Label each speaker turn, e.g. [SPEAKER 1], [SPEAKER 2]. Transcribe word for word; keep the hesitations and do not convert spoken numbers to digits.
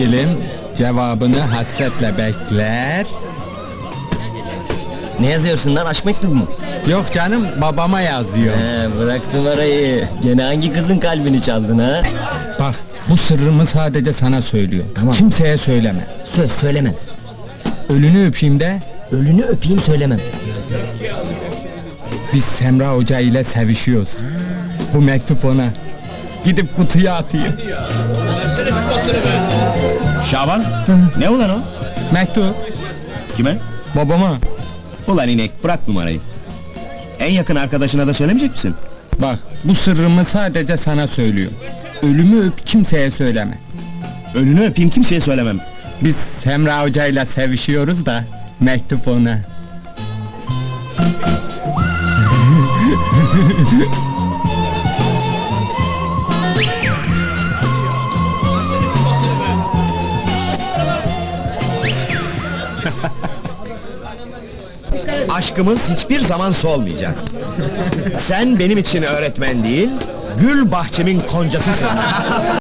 [SPEAKER 1] sevgilim cevabını hasretle bekler.
[SPEAKER 2] Ne yazıyorsun lan, aşk mektubu mu?
[SPEAKER 1] Yok canım, babama yazıyor.
[SPEAKER 2] He, bırak numarayı. Gene hangi kızın kalbini çaldın ha?
[SPEAKER 1] Bak, bu sırrımı sadece sana söylüyor.
[SPEAKER 2] Tamam.
[SPEAKER 1] Kimseye söyleme.
[SPEAKER 2] Söz söylemem.
[SPEAKER 1] Ölünü öpeyim de.
[SPEAKER 2] Ölünü öpeyim söylemem.
[SPEAKER 1] Biz Semra Hoca ile sevişiyoruz. Bu mektup ona. Gidip kutuya atayım.
[SPEAKER 3] Şaban, ne ulan o?
[SPEAKER 1] Mektup
[SPEAKER 3] Kime?
[SPEAKER 1] babama.
[SPEAKER 3] Ulan inek, bırak numarayı. En yakın arkadaşına da söylemeyecek misin?
[SPEAKER 1] Bak, bu sırrımı sadece sana söylüyor. Ölümü öp, kimseye söyleme.
[SPEAKER 3] Önünü öpeyim, kimseye söylemem.
[SPEAKER 1] Biz Semra Hoca ile sevişiyoruz da mektup ona.
[SPEAKER 4] Aşkımız hiçbir zaman solmayacak. Sen benim için öğretmen değil, gül bahçemin koncasısın.